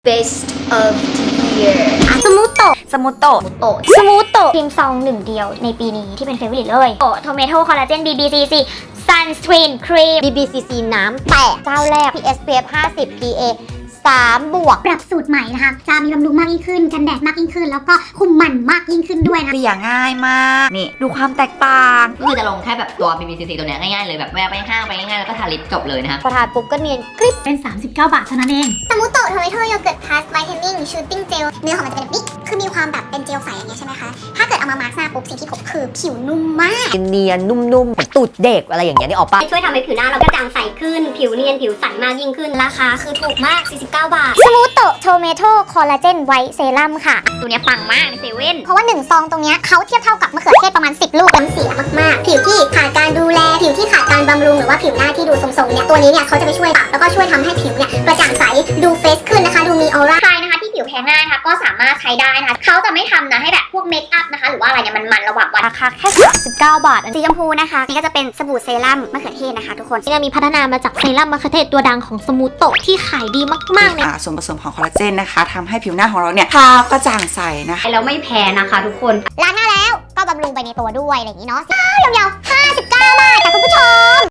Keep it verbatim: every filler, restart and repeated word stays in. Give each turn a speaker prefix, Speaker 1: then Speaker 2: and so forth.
Speaker 1: Best of the year
Speaker 2: สมูโตะ
Speaker 3: สมูโตะ
Speaker 1: โตะ
Speaker 2: สมูโตะครีมซองหนึ่งเดียวในปีนี้ที่เป็นเฟเวอร์ลิตเลยโอโทเมโตคอลลาเจน บี บี ซี ซี Sunscreen Cream
Speaker 1: บี บี ซี ซี น้ำแตกเจ้าแรก พี เอส พี เอฟ ห้าสิบ พี เอ สามบวก
Speaker 4: ปรับสูตรใหม่นะคะ จะมีบำรุงมากยิ่งขึ้น กันแดดมากยิ่งขึ้น แล้วก็คุมมันมากยิ่งขึ้นด้วยนะ
Speaker 3: เกลี่ยง่ายมาก นี่ ดูความแตกต่าง
Speaker 5: ก็คือจะลงแค่แบบตัว บี บี ซี ซี ตัวเนี้ยง่ายๆเลยแบบแวะไปห้างไปง่ายๆแล้วก็ทาลิปจบเลยนะคะ
Speaker 1: พอทานปุ๊บก็เนียนกริบ
Speaker 4: เป็น สามสิบเก้า บาทเท่านั้นเองสมูโตะโทเมโตโยเกิร์ตพลัสไวท์เทนนิ่งชูตติ้งเจลเนื้อของมันจะเป็นบิ๊กคือมีความแบบเป็นเจลใสอย่างเงี้ยใช่ไหมคะ ถ้าเกิดเอามามาร์กหน้าปุ๊บสิ่งที่พบคือผิวนุ่มมาก
Speaker 1: เนียนนุ่มๆเหมือนตูดเด็กอะไรอย่างเงี้ยนี่ออกปะ
Speaker 6: ช่วยทำให้ผิวหน้าเรากระจ่างใสขึ้น ผิวเนียนผิวใสมากยิ่งขึ้น ราคาคือถูกมาก สี่สิบเก้า บาท
Speaker 2: สมูโตะโทเมโตคอลลาเจนไวท์เซรั่มค่ะ ตัวเนี้ยปังมากในเซเว่น
Speaker 4: เพราะว่าหนึ่งซองตรงเนี้ยเขาเทียบเท่ากับมะเขือเทศประมาณสิบลูกน้ำเสียมากๆ ผิวที่ขาดการดูแล ผิวที่ขาดการบำรุงหรือว่าผิวหน้าที่ดูทรงๆเนี่ยตัวนี้เนี่ยเขาจะไปช่วยปรับแล้วก็ช่วยทำให้ผิวเนี่ยกระจ่างใสดูเฟรชขึ้นนะคะดูมีออร่า
Speaker 2: ใครนะคะที่ผิวแพ้ง่ายนะคะก็สามารถใช้ได้นะคะเขาจะไม่ทำนะให้แบบพวกเมคอัพนะคะหรือว่าอะไรเนี่ยมันมันระหว่างวันราคาแค่สามสิบเก้าบาทสีชมพูนะคะนี่ก็จะเป็นสบู่เซรั่มมะเขือเทศนะคะทุกคนที่มีพัฒนามาจากเซรั่มมะเขือเทศตัวดังของสมูโตะที่ขายดีมากๆเลย
Speaker 3: อ่าส่วนผสมของคอลลาเจนนะคะทำให้ผิวหน้าของเราเนี่ยขาวกระจ่างใสนะคะ
Speaker 5: แล้วไม่แพ้นะคะทุกคน
Speaker 4: ล้างหน้าแล้วก็บำรุงไปในตัวด้วยอะไรอย่างนี้เนาะยาวๆห้าสิบเก้า บาทค่ะคุณผู้ชม